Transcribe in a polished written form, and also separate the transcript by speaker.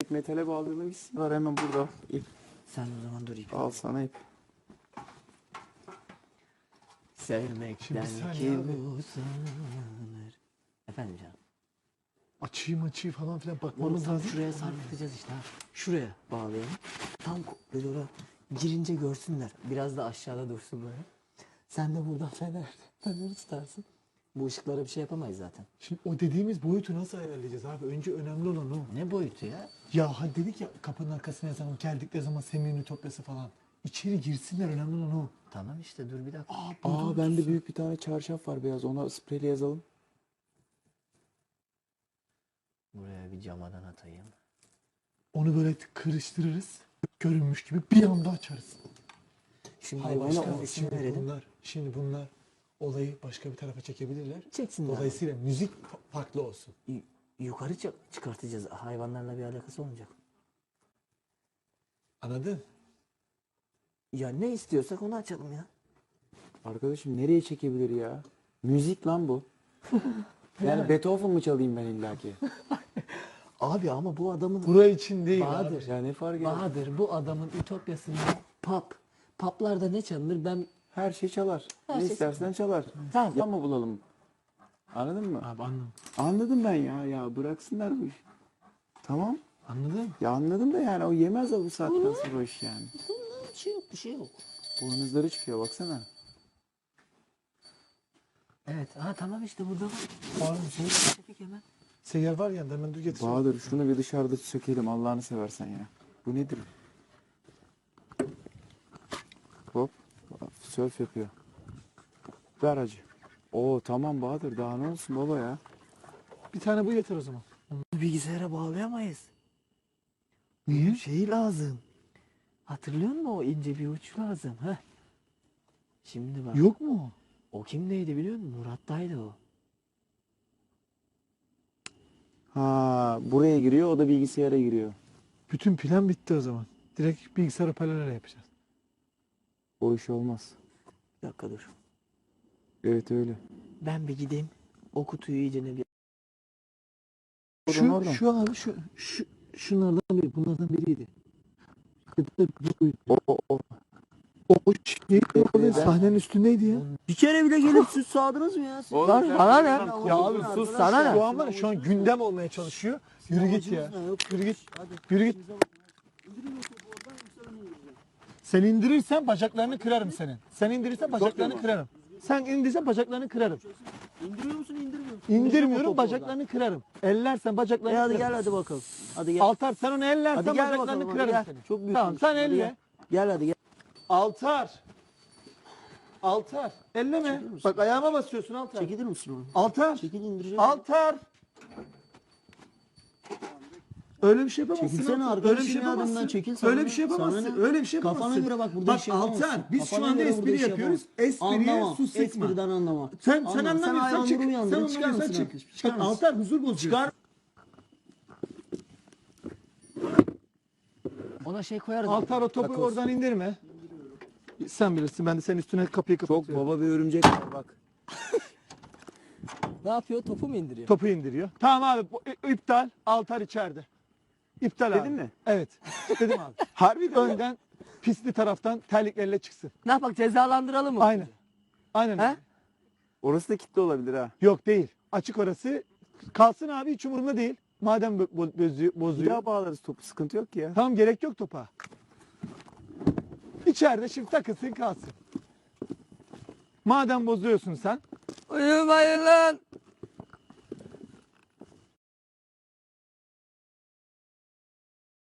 Speaker 1: direkt metale bağlayalım gitsin. Var hemen burada ip.
Speaker 2: Sen o zaman dur ipi.
Speaker 1: Al sana ip.
Speaker 2: Sevmekten
Speaker 3: saniye
Speaker 2: kim
Speaker 3: abi.
Speaker 2: usanır? Efendim canım.
Speaker 3: Açıyı falan filan
Speaker 2: Onu
Speaker 3: bakmamız
Speaker 2: tam
Speaker 3: lazım.
Speaker 2: şuraya sarkıtacağız işte ha. Şuraya bağlayalım. Tam böyle oraya girince görsünler. Biraz da aşağıda dursun böyle. Sen de buradan feneri tutarsın. Bu ışıklara bir şey yapamayız zaten.
Speaker 3: Şimdi o dediğimiz boyutu nasıl ayarlayacağız abi? Önce önemli olan o.
Speaker 2: Ne boyutu ya?
Speaker 3: Ya hani dedik ya kapının arkasına yazalım, geldikleri zaman Semih'in Ütopyası falan. İçeri girsinler, önemli olan o.
Speaker 2: Tamam işte dur bir dakika.
Speaker 1: Aa bende büyük bir tane çarşaf var beyaz. Ona spreyle yazalım.
Speaker 2: Buraya bir camadan atayım.
Speaker 3: Onu böyle kırıştırırız. Görünmüş gibi bir anda açarız.
Speaker 2: Şimdi
Speaker 3: Hayır,
Speaker 2: başka
Speaker 3: başka
Speaker 2: bir isim verelim.
Speaker 3: Şimdi bunlar olayı başka bir tarafa çekebilirler.
Speaker 2: Çeksinler.
Speaker 3: Dolayısıyla müzik farklı olsun.
Speaker 2: Yukarı çıkartacağız. Hayvanlarla bir alakası olmayacak.
Speaker 3: Anladın?
Speaker 2: Ya ne istiyorsak onu açalım ya.
Speaker 1: Arkadaşım nereye çekebilir ya? Müzik lan bu. Yani Beethoven mı çalayım ben illaki?
Speaker 2: Abi ama bu adamın
Speaker 3: Buraya için değil
Speaker 2: Bahadır.
Speaker 3: abi.
Speaker 1: Ya ne fark eder?
Speaker 2: Bahadır bu adamın ütopyasında pop. Poplarda ne çalınır ben
Speaker 1: Her şey çalar.
Speaker 2: Her
Speaker 1: Ne
Speaker 2: şey
Speaker 1: istersen çalar.
Speaker 2: Tamam.
Speaker 1: Tamam mı bulalım? Anladın mı?
Speaker 3: Abi anladım.
Speaker 1: Anladım ben ya bıraksınlar bu işi. Tamam.
Speaker 3: Anladın?
Speaker 1: Ya anladım da yani o yemez o bu saatten sonra o iş yani.
Speaker 2: bir şey yok bir şey yok.
Speaker 1: Boynuzları çıkıyor baksana.
Speaker 2: Evet tamam işte burada var.
Speaker 3: Var mı şey?
Speaker 2: Çekik hemen.
Speaker 3: Seyyar var ya, hemen dur getir.
Speaker 1: Bahadır şunu bir dışarıda sökelim Allah'ını seversen ya. Bu nedir? Hop. Sörf yapıyor. Ver hacı. Oo tamam Bahadır daha ne olsun baba ya.
Speaker 3: Bir tane bu yeter o zaman.
Speaker 2: Bilgisayara bağlayamayız.
Speaker 3: Niye?
Speaker 2: Şey lazım. Hatırlıyor musun o ince bir uç lazım? Heh. Şimdi bak.
Speaker 3: Yok mu?
Speaker 2: O kimdeydi biliyor musun? Murat'taydı o.
Speaker 1: Ha buraya giriyor o da bilgisayara giriyor.
Speaker 3: Bütün plan bitti o zaman. Direkt bilgisayar hoparlörle yapacağız.
Speaker 1: O iş olmaz.
Speaker 2: Bir dakika dur.
Speaker 1: Evet öyle.
Speaker 2: Ben bir gideyim. O kutuyu iyice bir...
Speaker 1: Oradan.
Speaker 3: Şu abi şunlardan biri, bunlardan biriydi. O şey orada sahnenin üstündeydi ya.
Speaker 2: Bir kere bile gelip süt sağdınız mı ya?
Speaker 1: Oğlum
Speaker 2: Lan
Speaker 1: sen-
Speaker 2: sana ne?
Speaker 3: Ya abi sus,
Speaker 2: sana ne?
Speaker 3: Şu an gündem olmaya çalışıyor. Yürü git ya. Yürü git. Yürü git. Sen indirirsen bacaklarını kırarım senin. Sen indirirsen bacaklarını kırarım. Sen indirirsen bacaklarını kırarım.
Speaker 2: İndiriyor musun indirmiyor musun?
Speaker 3: İndirmiyorum, bacaklarını kırarım. Ellersen bacaklarını
Speaker 2: Hadi
Speaker 3: kırarım.
Speaker 2: gel hadi bakalım. Hadi gel.
Speaker 3: Altar sen onu ellersen
Speaker 2: Hadi gel
Speaker 3: bacaklarını
Speaker 2: bakalım. Hadi
Speaker 3: kırarım
Speaker 2: gel.
Speaker 3: senin.
Speaker 2: Çok büyük.
Speaker 3: Tamam sen
Speaker 2: Hadi
Speaker 3: elle.
Speaker 2: Gel. Gel hadi gel.
Speaker 3: Altar. Altar. Elleme. Bak ayağıma basıyorsun Altar.
Speaker 2: Çekilir misin onu?
Speaker 3: Altar.
Speaker 2: Çekil indireceğim.
Speaker 3: Altar. Öyle bir şey yapamazsın.
Speaker 2: Çekilsene
Speaker 3: Altar.
Speaker 2: arkadaşım
Speaker 3: Öyle bir şey
Speaker 2: ya,
Speaker 3: yapamazsın.
Speaker 2: adımdan çekil sana
Speaker 3: Öyle
Speaker 2: ne?
Speaker 3: bir şey yapamazsın.
Speaker 2: Sana ne?
Speaker 3: Öyle bir şey
Speaker 2: Kafana
Speaker 3: yapamazsın.
Speaker 2: göre bak burada
Speaker 3: Bak
Speaker 2: iş yapamazsın.
Speaker 3: Altar biz şu
Speaker 2: Kafana
Speaker 3: anda
Speaker 2: göre burada
Speaker 3: espri
Speaker 2: iş
Speaker 3: yapıyoruz.
Speaker 2: yapamazsın.
Speaker 3: Espriye
Speaker 2: Anlamam.
Speaker 3: su sıkma.
Speaker 2: Espriden anlamam.
Speaker 3: Sen
Speaker 2: Anlamam. Sen
Speaker 3: anlamıyorsan çık.
Speaker 2: hayvanları uyandırın.
Speaker 3: Sen
Speaker 2: Çıkar
Speaker 3: anlamıyorsan
Speaker 2: mısın
Speaker 3: çık.
Speaker 2: arkadaş? Çıkar
Speaker 3: Bak
Speaker 2: mısın?
Speaker 3: Altar huzur bozuyorsun.
Speaker 2: Çıkar. Ona şey koyarız.
Speaker 3: Altar o topu
Speaker 1: Takoz.
Speaker 3: oradan indirme. Sen bilirsin, ben de senin üstüne kapıyı
Speaker 1: Çok
Speaker 3: kapatıyorum.
Speaker 1: baba bir örümcek var bak.
Speaker 2: Ne yapıyor? Topu mu indiriyor?
Speaker 3: Topu indiriyor. Tamam abi iptal. Altar içeride. İptal abi.
Speaker 1: Dedin mi?
Speaker 3: Evet. Dedim abi.
Speaker 1: Harbi de.
Speaker 3: Önden pisli taraftan terliklerle çıksın.
Speaker 2: Ne yapak cezalandıralım mı?
Speaker 3: Aynen. Aynen.
Speaker 2: He?
Speaker 3: öyle.
Speaker 1: Orası da kilitli olabilir ha.
Speaker 3: Yok değil. Açık orası. Kalsın abi, hiç umurumda değil. Madem
Speaker 1: Bir
Speaker 3: bozuyor.
Speaker 1: daha bağlarız topu sıkıntı yok ki ya.
Speaker 3: Tamam, gerek yok topa. İçeride şimdi takılsın kalsın. Madem bozuyorsun sen.
Speaker 2: Uyumayın lan.